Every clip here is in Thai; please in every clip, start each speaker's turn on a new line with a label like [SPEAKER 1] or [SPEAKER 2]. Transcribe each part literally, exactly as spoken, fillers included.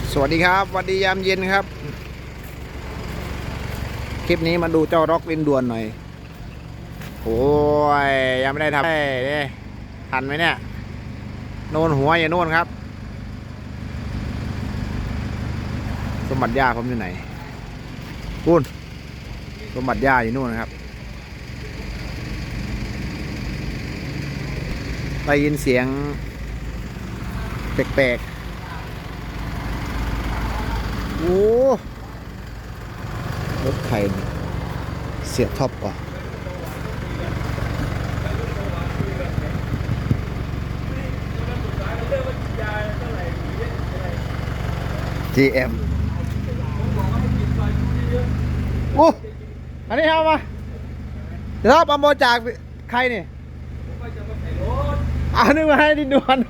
[SPEAKER 1] สวัสดีครับสวัสดียามเย็นครับคลิปนี้มาดูเจ้าร็อกลินด่วนหน่อยโอ้ยยังไม่ได้ทำได้ทันไหมเนี่ยโน่นหัวอย่าโน่นครับสมบัติย่าผมอยู่ไหนพูนสมบัติย่าอยู่นู่นนะครับได้ยินเสียงแปลกๆโอ้รถใครเสียท็อปกว่า จี เอ็ม โอ้อันนี้เอามาเดี๋ยวเอามาจากใครนี่เอานึกมาให้ดินด่วน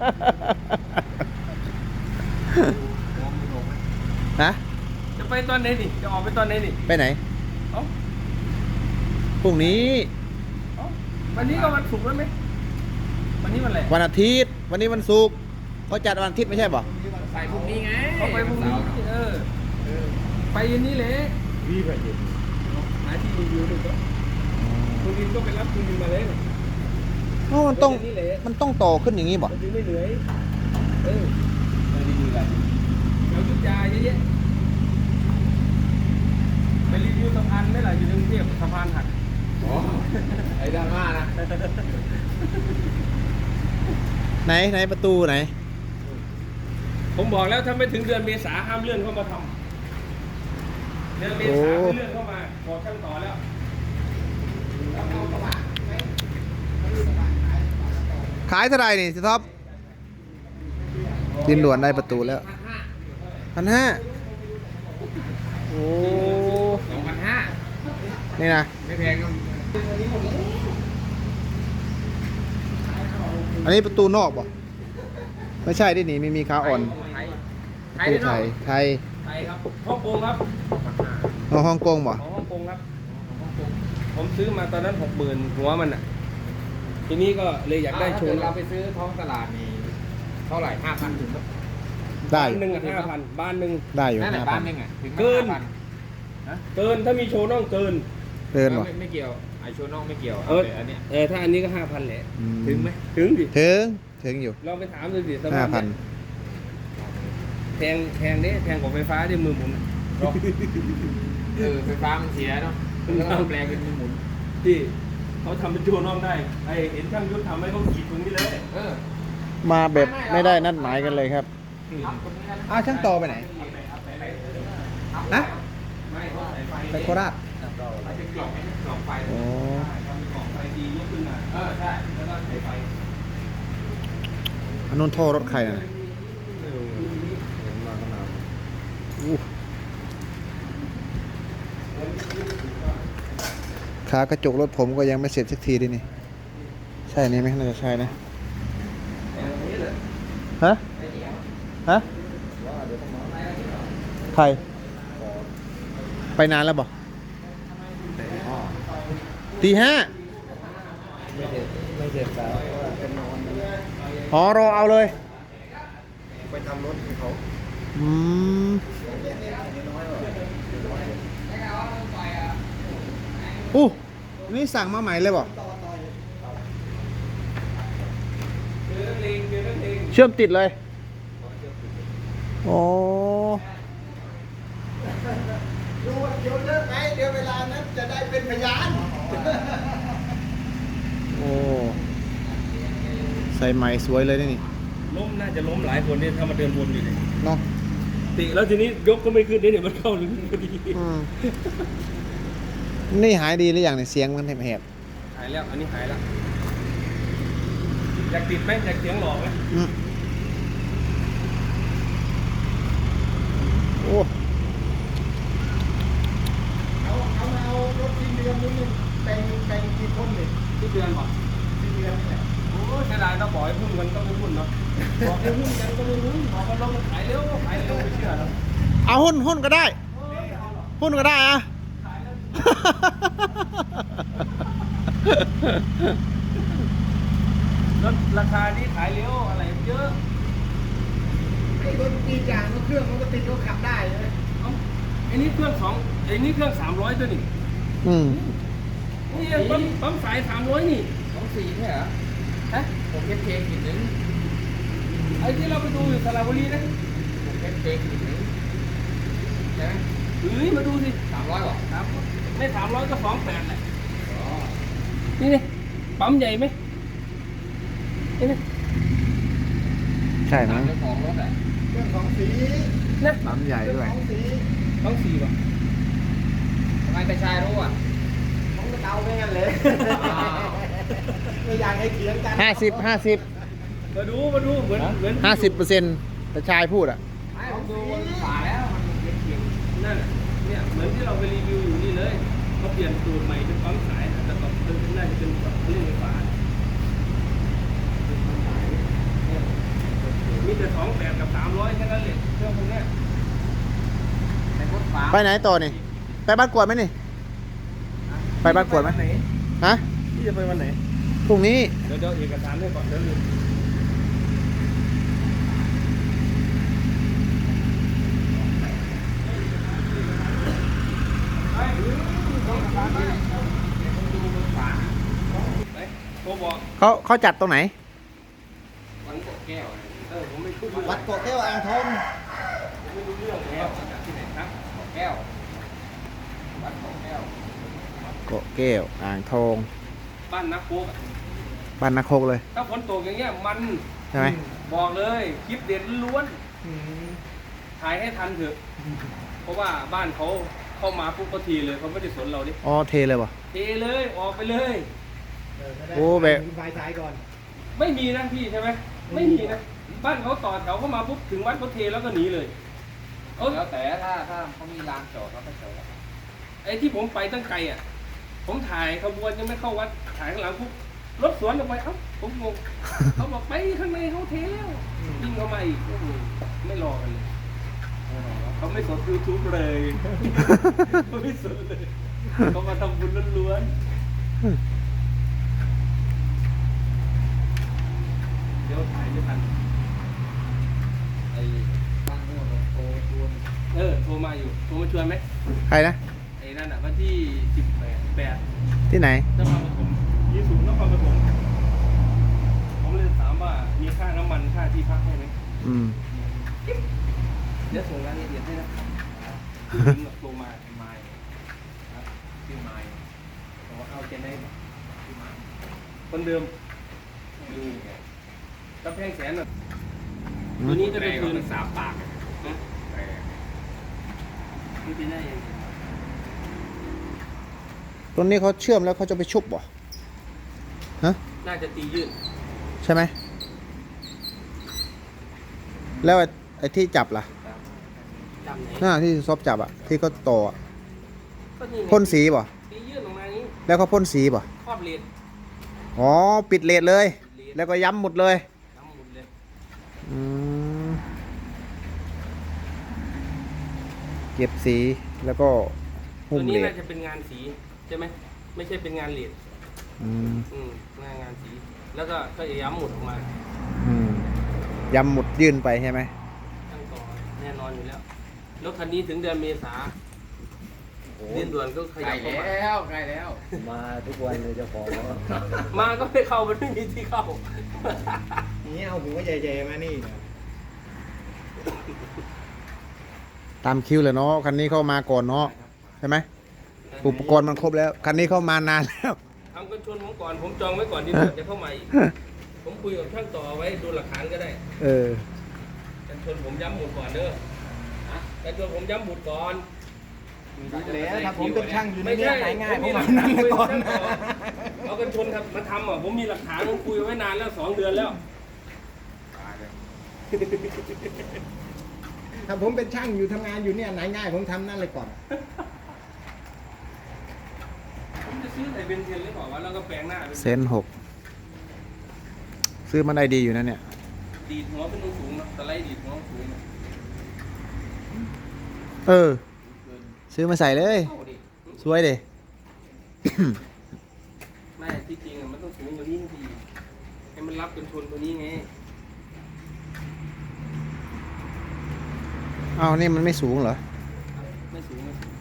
[SPEAKER 1] ฮะ
[SPEAKER 2] จะไปตอนไหนนี่จะออกไปตอนไหนนี่
[SPEAKER 1] ไปไหน
[SPEAKER 2] เอ้า
[SPEAKER 1] พรุ่งนี้
[SPEAKER 2] เอ้าวันนี้ก็วันศุกร์แล้วไหมวันนี้วันอะไร
[SPEAKER 1] วันอาทิตย์วันนี้วันศุกร์เขาจัดวันอาทิตย์ไม่ใช่ป่ะ
[SPEAKER 2] ไปพรุ่งนี้ไงเขาไปพรุ่งนี้เออไปยันนี้เลยวีไปยินหาที่รีวิวดูก็คุณดินก็ไปรับคุณดินมาเลย
[SPEAKER 1] เพราะมันต้องมันต้องต่อขึ้นอย่างนี้ป่ะ
[SPEAKER 2] มันถึงไม่เหนื่อยเออไปรีวิวอะไรเรายุทธยาเยอะแยะไปรีวิวสะพานไม่หล่ะอยู่ในกรุงเทพสะพานหักอ๋อไอ้ดราม่านะ
[SPEAKER 1] ไหนไหนประตูไหน
[SPEAKER 2] ผมบอกแล้วถ้าไม่ถึงเดือนเมษาห้ามเลื่อนเข้ามาทำเดือนเมษาไม่เลื่อนเข้ามาบอกช่างต่อแล้ว
[SPEAKER 1] ขายเท่าไหร่นี่สิท็อปดินด่วนได้ประตูแล้วพันห้าโอ้
[SPEAKER 2] สองพันห้า
[SPEAKER 1] นี่นะ
[SPEAKER 2] ไม่แพงครับ
[SPEAKER 1] อันนี้ประตูนอกป่ะไม่ใช่ดิหนีไม่มีขาอ่อน
[SPEAKER 2] ไทย
[SPEAKER 1] ไทยไทย
[SPEAKER 2] ไทยครับฮ่องกงครับ
[SPEAKER 1] อ๋อฮ่องกงป่ะ
[SPEAKER 2] ฮ่องกงครับผมซื้อมาตอนนั้นหกหมื่นหัวมันอ่ะทีนี้ก็เลยอยากได้โชว์
[SPEAKER 3] เราไปซื้อท้องตลาดนี่เท่าไหร่ห้าพันถึง
[SPEAKER 1] ได้
[SPEAKER 2] บ้านหนึ่งอ่ะห้าพันบ้านหนึ่ง
[SPEAKER 1] ได้อยู่
[SPEAKER 3] ห้าพัน
[SPEAKER 2] เกินเกินถ้ามีโชว์น้องเกิน
[SPEAKER 1] เกินป่ะ
[SPEAKER 3] ไม่เกี่ยวไอโชว์น้องไม่เกี่ยว
[SPEAKER 2] เอออันนี้เออถ้าอันนี้ก็ห้าพันแหละถึงไหมถึงดิ
[SPEAKER 1] ถึงถึงอยู่
[SPEAKER 2] ลองไปถามดูดิ
[SPEAKER 1] ห้าพัน
[SPEAKER 2] แพงแพงดิแพงกว่าไฟฟ้าดิมือหมุน
[SPEAKER 3] เออไฟฟ้ามันเสียเนาะแล้วก็แปลงเป็นมือหมุน
[SPEAKER 2] ที่เขาทำเป็นโชว์น้องได้ไอเห็นช่างยุทธทำให้เขาขีดตรงนี้เลย
[SPEAKER 3] เออ
[SPEAKER 1] มาแบบไม่ได้นัดหมายกันเลยครับอ้าวช่างต่อไปไหนฮะไปโคราชโอ้อันนู้นท่อรถใครนะขากระจกรถผมก็ยังไม่เสร็จสักทีดินี่ใช่นี่ไหมน่าจะใช่นะฮะฮะใครไปนานแล้วบอกตีห้า
[SPEAKER 3] ไม่เสร็จแล้วเป็นนอน
[SPEAKER 1] อ๋อรอเอาเลย
[SPEAKER 3] ไปทำรถให้เขา
[SPEAKER 1] อืมอู้นี่สั่งมาใหม่เลยบอกเชื่อมติดเลยโอ้ดูว่าเดี๋ยวเลิกไหมเดี๋ยวเวลานั้นจะได้เป็นพยานโอ้ใส่ใหม่สวยเลยนี่
[SPEAKER 2] ล้มน่าจะล้มหลายคนเนี่ยถ้ามาเดินวนอยู่เนี่ย
[SPEAKER 1] เนาะ
[SPEAKER 2] ติแล้วทีนี้ยกก็ไม่ขึ้นเนี่ยมันเข้าลึกพอดี
[SPEAKER 1] นี่หายดีหรือยังเนี่ยเสียงมันแหบ
[SPEAKER 2] หายแล้วอันนี้หายแล้วอยากติดไหมอยากเสียงหลอกไหม
[SPEAKER 1] โอ้
[SPEAKER 3] เอาเอาเอารถที่เดือนนี้แต่งแต่งกี่คนเลย
[SPEAKER 2] ที่เดือนหรอ
[SPEAKER 3] ที่เดือนนี่แหละ
[SPEAKER 2] โอ้ใช่ได้ต้องบอกให้พุ่นกันก็ไม่พุ่นเนาะบอกให้พุ่นกันก็ไม่พุ่นบอกว่าเราขายเร็วขายเร็วไม่เชื่อหรอก
[SPEAKER 1] เอาหุ้นหุ้นก็ได้หุ้นก็ได้อะ
[SPEAKER 2] รถราคานี้ขายเร็วอะไรเยอะ
[SPEAKER 1] ถปีจางเครื่องมันก็ติดก็ขับได้เลย
[SPEAKER 2] เอ้าไอ้นี่เครื่องสองไอ้นี่เครื่องสามร้อยตัวนี่
[SPEAKER 1] อืม
[SPEAKER 2] นี่ปั๊มปั๊มสายสามร้อยนี่
[SPEAKER 3] สองสี่ใช่เหรอ
[SPEAKER 2] ฮะ
[SPEAKER 3] ผมเอฟเคกินนึง
[SPEAKER 2] ไอ้ที่เราไปดูอยู่สระบุรีนะ
[SPEAKER 3] ผมเอฟเคกินนึงใช่ไหม
[SPEAKER 2] เฮ้ยมาดูสิ
[SPEAKER 3] สามร้อยหรอ
[SPEAKER 2] สามไม่สามร้อยก็สองแปดแหละนี่นี่ปั๊มใหญ่ไหมนี่นี่
[SPEAKER 1] ใช่มั้ง
[SPEAKER 3] เจ้าของรถอ่ะ
[SPEAKER 1] เครื่องของสี
[SPEAKER 2] นะ
[SPEAKER 1] ปั๊มใหญ่ด้วย
[SPEAKER 2] ต้องสี่ป่ะ
[SPEAKER 3] ทำไมแต่ชายรู้อ่ะ
[SPEAKER 1] ของเตาไม่งั้นเลยไม่อยากให้เถียงกันห้าสิบห้าสิบ
[SPEAKER 2] มาดูมาดูเหมือนเหมือน
[SPEAKER 1] ห้าสิบเปอร์เซ็นต์แต่ชายพูดอ่ะ
[SPEAKER 3] ไม่ผมดูบนฝาแล้วมันเขียน
[SPEAKER 2] นั่นน่ะเนี่ยเหมือนที่เราไปรีวิวอยู่นี่เลยเขาเปลี่ยนสูตรใหม่เป็นปั๊มสายแต่ก่อนเป็นน่าจะเป็นแบบเรื่องไฟฟ้ามีแต่สองแปดกับสามร้อยแค่นั้นเลยเครื่องพวกเนี้ย
[SPEAKER 3] ในบนฝา
[SPEAKER 1] ไปไหนต่อนี่ ไปบ้านกวดไหมนี่ ไปบ้านกวดไหม
[SPEAKER 2] ไหน
[SPEAKER 1] ฮะ
[SPEAKER 2] พี่จะไปวันไหน
[SPEAKER 1] พรุ่งนี้
[SPEAKER 2] เดี๋ยวเดี๋ยวเอกสารให้ก่อนเดี๋ยวลืมไปดูบนฝาไหนโทรบอก
[SPEAKER 1] เขาเขาจัดตรงไหน
[SPEAKER 3] วันกดแก้ว
[SPEAKER 2] เออผมไม่พูด
[SPEAKER 1] วัดโกแก้วอ่างทอง
[SPEAKER 2] ผมไม่รู้เรื่องแล้วจากที่ไหนครับ
[SPEAKER 3] กดแก้ววัดกดแก้ว
[SPEAKER 1] โกแก้วอ่างทอง
[SPEAKER 2] บ้านนักโป๊กอะ
[SPEAKER 1] บ้านนาโคกเลย
[SPEAKER 2] ถ้าฝนตกอย่างเงี้ยมัน
[SPEAKER 1] ใช่ไหม
[SPEAKER 2] บอกเลยคลิปเด็ดล้วนถ่ายให้ทันเถอะ เพราะว่าบ้านเขาเข้ามาปุ๊บก็ทีเลยเขาไม่ได้สนเราดิ
[SPEAKER 1] อ๋อเทเลยป่ะ
[SPEAKER 2] เทเลยออกไปเลย
[SPEAKER 1] โอ้แบบ
[SPEAKER 4] ไฟสายก่อน
[SPEAKER 2] ไม่มีนะพี่ใช่ไหมไม่มีนะบ้านเขาต่อแถวเข้ามาปุ๊บถึงวัดเขาเทแล้วก็หนีเลยเออ
[SPEAKER 3] แล้วแต่ถ้าถ้าเขามีลานจอดเขาก็จอด
[SPEAKER 2] ไอ้ที่ผมไปตั้งไกลอ่ะ ผมถ่ายขบวนยังไม่เข้าวัดถ่ายข้างหลังปุ๊บรถสวนออกไปเอ้าผมงง เขาบอกไปข้างในเขาเทแล้ววิ่งเข้ามาอีกโอ้โหไม่รอกันเลยเขาไม่สนยูทูบเลยเขาไม่สนเลยเขามาทำบุญล้วนๆเดี๋ยวถ่ายไม่ทัน
[SPEAKER 3] ไอ้บ้านนู้นโตชวน
[SPEAKER 2] เออโทรมาอยู่โทรมาชวนไหม
[SPEAKER 1] ใครนะ
[SPEAKER 2] ไอ้นั่นอ่ะวันที่สิบแปดแปด
[SPEAKER 1] ที่ไหน
[SPEAKER 2] นครปฐมยี่สิบนครปฐมผมเลยถามว่ามีค่าน้ำมันค่าที่พักให้ไหม
[SPEAKER 1] อืม
[SPEAKER 2] เดี๋ยวส่งรายละเอียดให้นะคือถึงโทรมาไมล์นะชื่อไมล์บอกว่าเอาเจนได้ชื่อไมล์คนเดิมดูกำแพงแสนน่ะตัวนี้จะเป็นคืน
[SPEAKER 3] สามปาก
[SPEAKER 2] นะนี่เป็นได้ยังไง
[SPEAKER 1] ตรงนี้เขาเชื่อมแล้วเขาจะไปชุบบ่ฮะ
[SPEAKER 2] น่าจะตียืด
[SPEAKER 1] ใช่ไหม แล้วไอ้ไอ้ที่จับล่ะ
[SPEAKER 2] จำไหน
[SPEAKER 1] หน้าที่ซอบจับอ่ะ ที่เขาต่ออะ
[SPEAKER 2] ก็นี่ไง
[SPEAKER 1] พ่นสีบ่
[SPEAKER 2] ตียืดออกมานี้
[SPEAKER 1] แล้วเขาพ่นสีบ่
[SPEAKER 2] ครอบเลน
[SPEAKER 1] อ๋อ ปิดเลทเลย แล้วก็ย้ำหมดเลย
[SPEAKER 2] ทั้งหมดเลย
[SPEAKER 1] อืมเก็บสีแล้วก็
[SPEAKER 2] ตั
[SPEAKER 1] หุ้
[SPEAKER 2] ว
[SPEAKER 1] ม
[SPEAKER 2] นี้
[SPEAKER 1] เล
[SPEAKER 2] น่า
[SPEAKER 1] ท
[SPEAKER 2] จะเป็นงานสีใช่ไหมไม่ใช่เป็นงานเลน
[SPEAKER 1] อืม
[SPEAKER 2] อืมหน้างานสีแล้วก็ก็จะย้ำหมุดออกมา
[SPEAKER 1] อืมย้ำหมดยื่นไปใช่ไหม
[SPEAKER 2] ตั้งต่อแน่นอนอยู่แล้วรถคันนี้ถึงเดือนเมษาเดือนด่วนก็ข
[SPEAKER 3] ใก
[SPEAKER 2] ยั
[SPEAKER 3] ล้
[SPEAKER 2] บเข้ามา
[SPEAKER 3] แล้วใกล้แล้ว
[SPEAKER 4] มาทุกวันเลยเจ้าของ
[SPEAKER 2] มาก็ไม่เข้ามันไม่มีที่เข้า
[SPEAKER 4] นี่เอาหัวใหญ่ๆมานี่นะ
[SPEAKER 1] ตามคิวเลยเนาะคันนี้เข้ามาก่อนเนาะใช่ไหมอุปกรณ์มันครบแล้ว คันนี้เข้ามานานแล้ว
[SPEAKER 2] ทำกันชนผมก่อนผมจองไว้ก่อนที่จะเข้ามาอีกผมคุยกับช่างต่อไว้ดูหลักฐานก็ได้
[SPEAKER 1] เออ
[SPEAKER 2] กันชนผมย้ำหมุดก่อนเด้อกันชนผมย้ำหมุดก่อน
[SPEAKER 4] แล้วถ้าผมเป็นช่างอยู่ใน
[SPEAKER 2] ไม่
[SPEAKER 4] นี้
[SPEAKER 2] ใช่
[SPEAKER 4] หายง่าย
[SPEAKER 2] ผ
[SPEAKER 4] ผม ม
[SPEAKER 2] มีหลั
[SPEAKER 4] มาก
[SPEAKER 2] ฐาน
[SPEAKER 4] นั่น
[SPEAKER 2] คุย
[SPEAKER 4] ก่อน
[SPEAKER 2] ช่าง
[SPEAKER 4] นะ
[SPEAKER 2] ต่อเอากันชนครับมาทำอ่ะผมมีหลักฐานผมคุยไว้นานแล้วสองเดือนแล้ว
[SPEAKER 4] ถ้าผมเป็นช่างอยู่ทำงานอยู่เนี่ยไหนง่ายผมทำนั่นเลยก่อน
[SPEAKER 2] ผมจะซื้อไอ้เบนเทนหรือเปล่าวะแล้วก็แปลงหน้าเป็น
[SPEAKER 1] เซนหกซื้อมันได้ดีอยู่นะเนี่ย
[SPEAKER 2] ดีดหัวเป็นสูงๆเนอะสไลด์ดีดหัวสูง
[SPEAKER 1] เออ ซื้อมาใส่เลย
[SPEAKER 2] เข้าดิ
[SPEAKER 1] สวยเด้
[SPEAKER 2] ไม่ที่จริงอะมันต้องสูงกว่านี้ทีให้มันรับกันชนตัวนี้ไง
[SPEAKER 1] อ้าวนี่มันไม่สูงเหรอ
[SPEAKER 2] ไม่สูงไม่สูง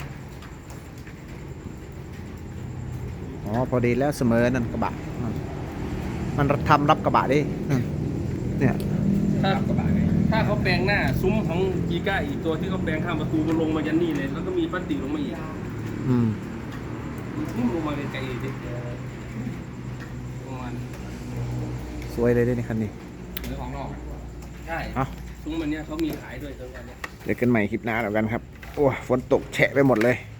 [SPEAKER 1] อ๋อพอดีแล้วเสมอนั่นกระบะนั่นมันทำรับกระบะดิอืมเนี่ย
[SPEAKER 2] ถ้ากระบะไงถ้าเขาแปลงหน้าซุ้มของกีก้าอีกตัวที่เขาแปลงข้ามประตูมันลงมายันนี่เลยแล้วก็มีพลาสติกลงมาอีก
[SPEAKER 1] อืม
[SPEAKER 2] นี่ลงมาไกลๆดิประมาณ
[SPEAKER 1] สวยเลยด้วยนี่คันนี้
[SPEAKER 3] หรือของนอกอะ
[SPEAKER 2] ใช่
[SPEAKER 1] เอ้า
[SPEAKER 2] ซุ้มมันเนี้ยเขามีขายด้วยตรงนี้
[SPEAKER 1] เจอกันใหม่คลิปหน้าแล้วกันครับ โอ้ฝนตกแฉะไปหมดเลย